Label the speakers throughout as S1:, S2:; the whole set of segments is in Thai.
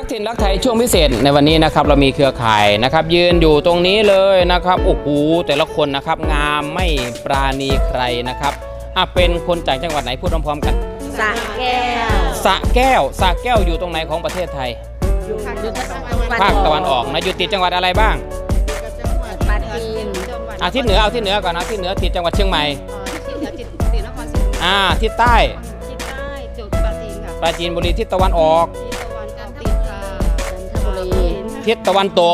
S1: ถิ่นรักไทยช่วงพิเศษในวันนี้นะครับเรามีเครือข่ายนะครับยืนอยู่ตรงนี้เลยนะครับโอ้โหแต่ละคนนะครับงามไม่ปราณีใครนะครับเป็นคนจากจังหวัดไหนพูดพร้อมๆกัน
S2: สระแก้ว
S1: สระแก้วอยู่ตรงไหนของประเทศไทยภาคตะวันออกนะอยู่ติดจังหวัดอะไรบ้าง
S2: ปราจีน
S1: ทิศเหนือเอาทิศเหนือก่อนนะทิศเหนือติดจังหวัดเชียงใหม่
S2: ทิศเหนือติดนครศรีธรรมราช
S1: ทิศใต้
S2: จุดปราจีนค่ะ
S1: ปราจีนบุรีทิศตะวันออก
S2: ทิศตะวันตก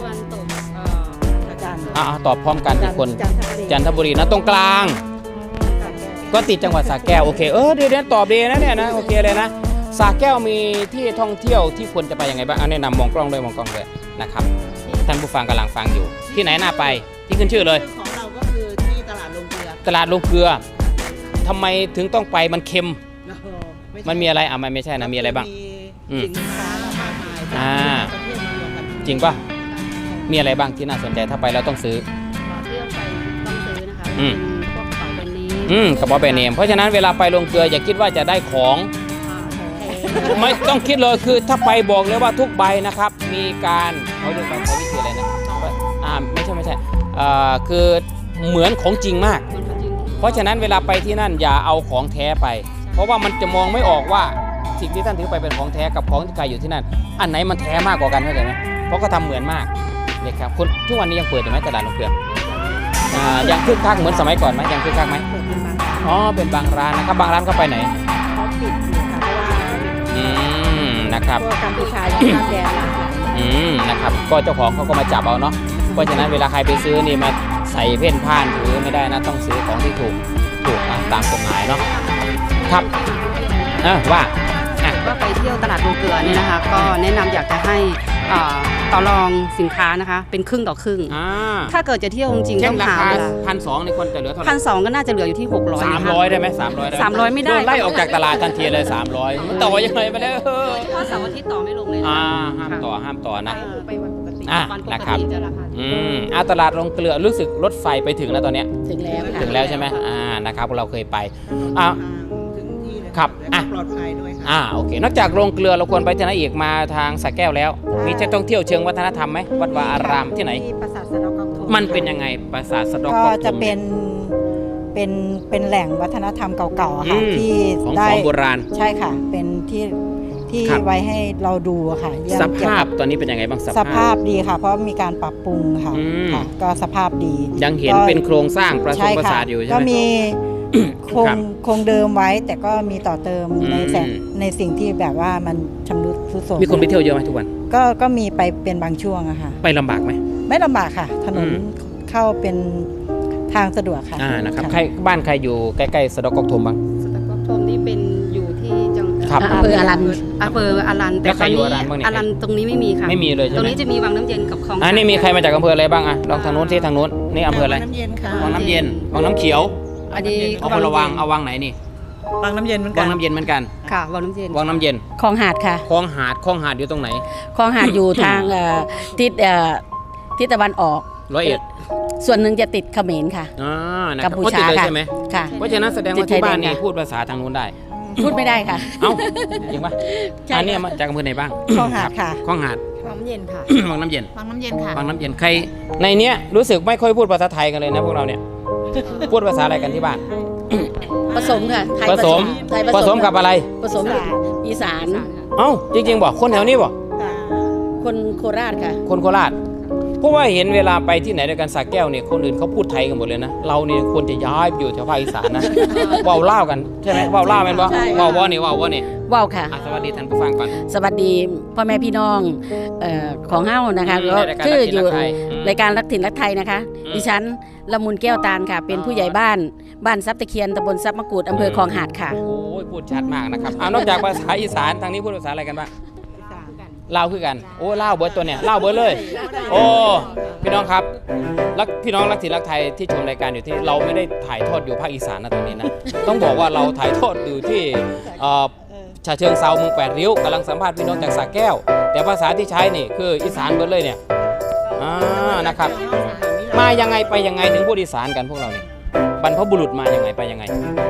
S1: ตอบพร้อมกันทุกคนจันทบุรีนะตรงกลางก็ติดจังหวัดสระแก้วโอเคเดี๋ยวตอบดีนะเนี่ยนะโอเคเลยนะสระแก้วมีที่ท่องเที่ยวที่ควรจะไปยังไงบ้างแนะนำมองกล้องเลยนะครับท่านผู้ฟังกำลังฟังอยู่ที่ไหนน่าไปที่ขึ้นชื่อเลย
S3: ของเราก็คือที่ตลาดลงเกลือ
S1: ทำไมถึงต้องไปมันเค็มมันมีอะไรมันไม่ใช่นะมีอะไรบ้าง
S3: สินค้ามากมายประเทศรวมกัน
S1: จริงป่ะมีอะไรบ้างที่น่าสนใจถ้าไปแล้วต้องซื้อ
S2: เที่ยวไปต้องซื้อนะคะพวกกระเป๋าแบรนด์เนม
S1: กระเป๋าแบรนด์เนมเพราะฉะนั้นเวลาไปลงเกลืออย่าคิดว่าจะได้ของไม่ต้องคิดเลยคือถ้าไปบอกเลยว่าทุกใบนะครับมีการเขาเรียกว่าวิธีอะไรนะไม่ใช่คือเหมือนของจริงมากเพราะฉะนั้นเวลาไปที่นั่นอย่าเอาของแท้ไปเพราะว่ามันจะมองไม่ออกว่าสิ่งที่ท่านถือไปเป็นของแท้กับของที่ขายอยู่ที่นั่นอันไหนมันแท้มากกว่ากันเข้าใจไหมเพราะก็ทำเหมือนมากเนี่ยครับคุณทุกวันนี้ยังเปิดอยู่ไหมตลาดลงเกลือยังคึกคักเหมือนสมัยก่อนไหมยังคึกคักไหมเป็นบางร้านนะครับบางร้านก็ไปไหน
S2: เขาปิดอยู่ค่ะเพราะว่า
S1: นะครับ
S2: กัมพูชายังข้ามแดน
S1: นะครับก็เจ้าของเขาก็มาจับเอาเนาะเพราะฉะนั้นเวลาใครไปซื้อนี่มาใส่เพ่นพ่านถือไม่ได้นะต้องซื้อของที่ถูกตามกฎหมายเนาะครับว่า
S2: ไปเที่ยวตลาดลงเกลือเนี่ยนะคะก็แนะนำอยากจะให้ต่อรองสินค้านะคะเป็นครึ่งต่อครึ่งถ้าเกิดจะเที่ยวจริงๆต้องหา
S1: 1,200ในคนจะเหลือเท่าไหร่
S2: 1,200ก็น่าจะเหลืออยู่ที่600
S1: 300ได้ไหม
S2: 300ไม่ได้
S1: ไล่ออกจากตลาดทันทีเลย300มันต่อยังไงไปแล้ว
S2: เฉพาะเสาร์อาทิตย์ต่อไม่ลงเลย
S1: ห้ามต่อนะ
S2: ไปวันปกติ
S1: นะครับตลาดลงเกลือรู้สึกรถไฟไปถึงแล้วตอนนี้
S2: ถึงแล้ว
S1: ใช่ไหมนะครับเราเคยไปครับ
S3: ปลอดภัยด้วยค่ะ
S1: โอเคนอกจากโรงเกลือเราควรไปที่ไหนอีกมาทางสระแก้วแล้วมีจะต้องเที่ยวเชิงวัฒนธรรมไหมวัดวาอารามที่ไหน
S2: ปราสาทสะดอกก๊อกโท
S1: มันเป็นยังไงปราสาทสะดอกก๊
S4: อกก็จะเป็นแหล่งวัฒนธรรมเก่าๆค่ะที่
S1: ของโบราณ
S4: ใช่ค่ะเป็นที่ไว้ให้เราดูค่ะ
S1: สภาพตอนนี้เป็นยังไงบ้าง
S4: สภาพดีค่ะเพราะมีการปรับปรุงค่ะก็สภาพดี
S1: ยังเห็นเป็นโครงสร้างปราสาทอยู่ใช่ไหม
S4: ก็มีคงเดิมไว้แต่ก็มีต่อเติมในสิ่งที่แบบว่ามันชำรุดทรุดโทรม
S1: มีคนไปเที่ยวเยอะไหมทุกวัน
S4: ก็มีไปเป็นบางช่วงอะค่ะ
S1: ไปลำบากไหม
S4: ไม่ลำบากค่ะถนนเข้าเป็นทางสะดวกค่ะ
S1: นะครับบ้านใครอยู่ใกล้ๆสะดอกก๊อกโทมบ้าง
S2: สะดอกก๊อกโทมนี่เป็นอยู่ที่จังหวัดอำเภออารันแต่ตอนนี้อารันตรงนี้ไม่มีค่ะ
S1: ไม่มีเลย
S2: ตรงนี้จะมีวังน้ำเย็นกับคลอง
S1: นี่มีใครมาจากอำเภออะไรบ้างลองทางนู้นที่ทางนู้นนี่อำเภออะไร
S3: วังน้ำเย็นค่ะ
S1: วังน้ำเย็นวังน้ำเขียว
S2: อันนี้
S1: เอาคนละวังเอาวังไหนนี่
S3: วังน้ำเย็นเหมือนกัน
S1: วังน้ำเย็นเหมือนกัน
S2: ค่ะวังน้ำเย็น
S4: คลองหาดค่ะ
S1: คลองหาดอยู่ตรงไหน
S4: คลองหาดอยู่ทางทิศตะวันออก
S1: 101
S4: ส่วนหนึ่งจะติดเขมรค่ะ
S1: กัมพูชา
S4: ค่ะ
S1: ใช่ไหมค่ะเพราะฉะนั้นแสดงว่าที่บ้านนี่พูดภาษาทางนู้นได้
S4: พูดไม่ได้ค่ะ
S1: จริงป่ะอันนี้มาจากอำเภอไหนบ้าง
S4: คลองหาดค่ะ
S1: คลองหาด
S2: วังน้ำเย็นค่ะ
S1: วังน้ำเย็น
S2: ค่ะ
S1: วังน้ำเย็นใครในเนี้ยรู้สึกไม่ค่อยพูดภาษาไทยกันเลยนะพวกเราเนี่ยพูดภาษาอะไรกันที่บ้าน
S4: ผสมค่ะ
S1: ผสมกับอะไร
S4: ผสมอีสาน
S1: จริงๆบอกคนแถวนี้บอก
S4: คนโคราชค่ะ
S1: คนโคราชเพราะว่าเห็นเวลาไปที่ไหนด้วยกันสระแก้วเนี่ยคนอื่นเขาพูดไทยกันหมดเลยนะเราเนี่ยควรจะย้ายอยู่แถวภาคอีสานนะว่าวเล่ากันใช่ไหมว่าวเล่าเป็นปะว่าวนี่ว่าว
S4: ค่ะ
S1: สวัสดีท่านผู้ฟังก่อน
S4: สวัสดีพ่อแม่พี่น้องของเฮ้านะคะก็คืออยู่รายการรักถิ่นรักไทยนะคะดิฉันละมุนแก้วตาลค่ะเป็นผู้ใหญ่บ้านซับตะเคียนตำบลซับมะกรูดอำเภอคลองหาดค่ะ
S1: โอ้ยพูดชัดมากนะครับนอกจากภาษาอีสานทางนี้พูดภาษาอะไรกันบ้างเล่าคือกันเล่าเบิร์ดตัวเนี่ยเล่าเบิร์ดเลยพี่น้องครับพี่น้องรักถิ่นรักไทยที่ชมรายการอยู่ที่เราไม่ได้ถ่ายทอดอยู่ภาคอีสานนะตอนนี้นะต้องบอกว่าเราถ่ายทอดอยู่ที่ฉะเชิงเซาเมือง8 ริ้วกำลังสัมภาษณ์พี่น้องจากสระแก้วแต่ภาษาที่ใช้นี่คืออีสานเบิร์ดเลยเนี่ยนะครับมายังไงไปยังไงถึงพูดอีสานกันพวกเราเนี่ยบรรพบุรุษมายังไงไปยังไง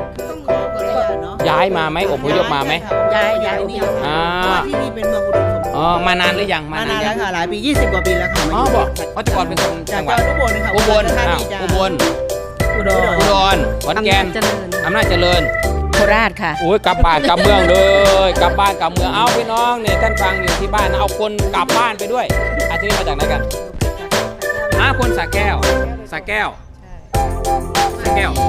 S1: ย้ายมาไหมอพยพมาไหม
S4: ย้าย
S3: ที่นี่เป็นเมืองอุดมสมบูรณ์
S1: อ๋อมานานหรือยัง
S3: มานานแล้วค่ะหลายปี20 กว่าปีแล้วค่ะ
S1: อ๋อบอกเขาแต่ก่อนเป็นคน
S3: จา
S1: จั
S3: ก
S1: งหวัด
S3: อุบลค่ะ
S1: อุบล
S3: ธา
S1: อ้าว
S3: นีจ้ะ
S1: อุบล
S3: อุดร
S1: อุดรขอนแก่น
S2: อำนาจเจริญ
S1: อำนาจเจริญ
S4: โคราชค่ะ
S1: โอ้ยกลับบ้านกลับเมืองเลยกลับบ้านกลับเมืองเอาพี่น้องเนี่ยท่านฟังอยู่ที่บ้านนะเอาคนกลับบ้านไปด้วยอาที่นี่มาจากไหนกันคนสระแก้วสระแก้วสระแก้ว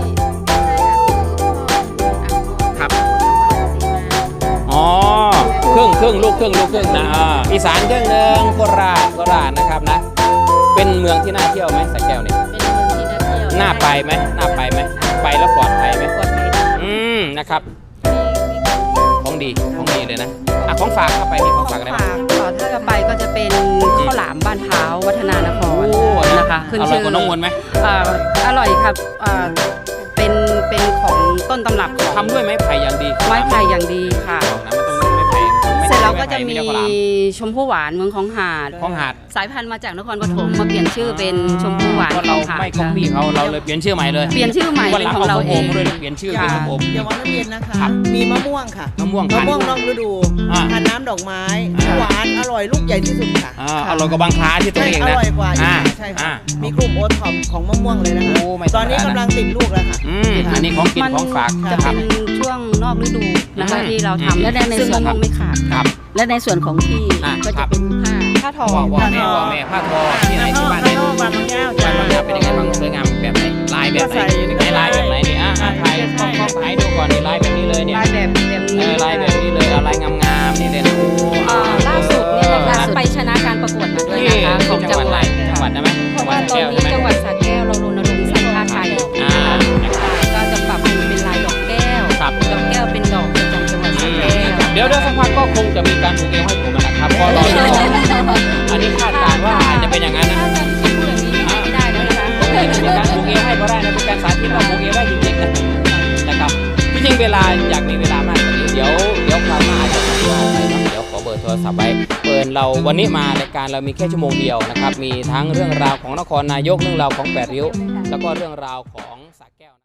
S1: ครับอ๋อครึ่งลูกครึ่งนะอีสานครึ่งหนึ่งโคราชนะครับนะเป็นเมืองที่น่าเที่ยวไหมสระแก้วเนี่ย
S4: เป็นเมืองที่น่าเที่ยว
S1: น่าไปไหมไปแล้วปลอดภัยไหม
S4: ปลอดภัยค่ะ
S1: นะครับของดีเลยนะของฝากเข้าไปมีของฝากอะไรบ้าง
S2: ถ้าจะไปก็จะเป็นข้าวหลามบ้านเท้าวัฒนานครนะคะขึ้น
S1: อร่
S2: ชื่
S1: อยกว่าน้องมนต์ไหม
S2: อร่อยครับเป็นของต้นตำรับของ
S1: ทำด้วยไม้ไผ่อย่างดี
S2: ไม้ไผ่อย่างดีค่ะ
S1: บอกนะมันต้องไม้ไผ่
S2: เสร็จแล้วก็จะมี
S1: ไข้าวหลาม
S2: ชมพู่หวานเมืองของหาด
S1: ของหาด
S2: สายพันธุ์มาจากนครปฐมมาเปลี่ยนชื่อเป็นชมพู่หวาน
S1: เพราะเรา
S2: ของหาด
S1: ไม่ก๊อปปี้เขาเราเลยเปลี่ยนชื่อใหม่เลย
S2: เปลี่ยนชื่อใหม่
S1: วัน
S2: เป็
S1: ห
S2: น
S1: ลัง
S2: ของ
S1: เอา
S2: เรา
S1: ข้าว
S2: เอ
S1: โอม
S2: ง
S1: ด้วยเปลี่ยนชื่อเป็นข้าวโอม
S3: อย่าว่าน้ำเย็นนะคะ
S1: ครับ
S3: มีมะม่วงค่ะ
S1: มะม่วง
S3: มะม่วงนอกฤดู
S1: อ่า
S3: ทานน้ำดอกไม้หวานอร่อยลูกใหญ่ที่สุดค่ะ
S1: อร่อยกว่าบางคล้าที่ตัว
S3: ใช่
S1: เอง
S3: อ
S1: นะ
S3: ร่อยกว่าอีก
S1: อ่า
S3: ค่ะใช่
S1: อ่า
S3: ค่ะมีกลุ่มโอท็อปของมะม่วงเลยนะคะ
S1: โอ้ไม่ธรรมดานะ
S3: ตอนนี้กำลังติดลูกแล้วค่ะ
S1: อันนี้ของกินของฝาก
S2: จะ
S1: ครั
S2: เป็
S1: บ
S2: นช่วงนอกฤดูนะคะ
S1: อืม
S2: ที่เรา
S1: อืม
S2: ทำ
S4: และใน
S2: ซึ่ง
S4: ส่วน
S2: มะม่วงไม่ขาด
S1: ครับ
S4: และในส่วนของที่
S1: อ่ะ
S4: ก็
S1: ครั
S4: จะ
S1: บ
S4: เป็นผ้า
S2: ผ้าทอ
S1: ว่าแม่ผ้าทอที่ไหนที่บ้านไหน
S3: ผ้าทอบ้านบางแก้ว
S1: บ้านบางอย่างเป็นยังไงบ้างสวยงามแบบไหนลายแบบไหน
S3: ก็ใส่อยู่ในกระ
S1: ไหนลายแบบไหนนี่ถ่ายกล้องถ่ายดูก่อนนี่ลายแบบนี้เลยเนี่ย
S2: ลายแบบนี้
S1: ลายแบบนี้เลยเอาลายงามๆนี่เลยนะโอ้
S2: ล่าสุดเนี่ยนะคะ
S1: ล่าสุด
S2: ไปชนะการประกวดมาด้วย
S1: ที่
S2: นะคะของ
S1: จั
S2: จั
S1: ง
S2: ง
S1: ห
S2: ห
S1: วั
S2: วั
S1: ด
S2: ด
S1: อะไรจังหวัดได้ไหม
S2: เพราะว่าตอนนี้จังหวัดสระแก้วเรารณรงค์ใส่ผ้าไทย
S1: อ่า
S2: ก็จะปรับให้เป็นลายดอกแก้ว
S1: ครับ
S2: ดอกแก้วเป็นดอกประจำจังหวัดสระแก้ว
S1: เดี๋ยวสักพักก็คงจะมีการผูกเอวให้ผมนะครับก็รอดูอันนี้คาดการณ์ว่าอาจจะเป็นอย่างนั้นนะ
S2: ถ้าจะพูดอย่างนี้ไม่ได้แล้วนะคะ
S1: มีการผูกเอวให้ก็ได้นะเป็นการสาธิตว่าผูกเอวได้จริงๆนะครับที่จริงเวลาอยากมีเวลามากกว่านี้เดี๋ยวคราวหน้าอาจจะสัมภาษณ์ไปเนาะเดี๋ยวขอเบอร์โทรศัพท์ไว้เปิดเราวันนี้มารายการเรามีแค่ชั่วโมงเดียวนะครับมีทั้งเรื่องราวของนครนายกเรื่องราวของ8 ริ้วแล้วก็เรื่องราวของสระแก้ว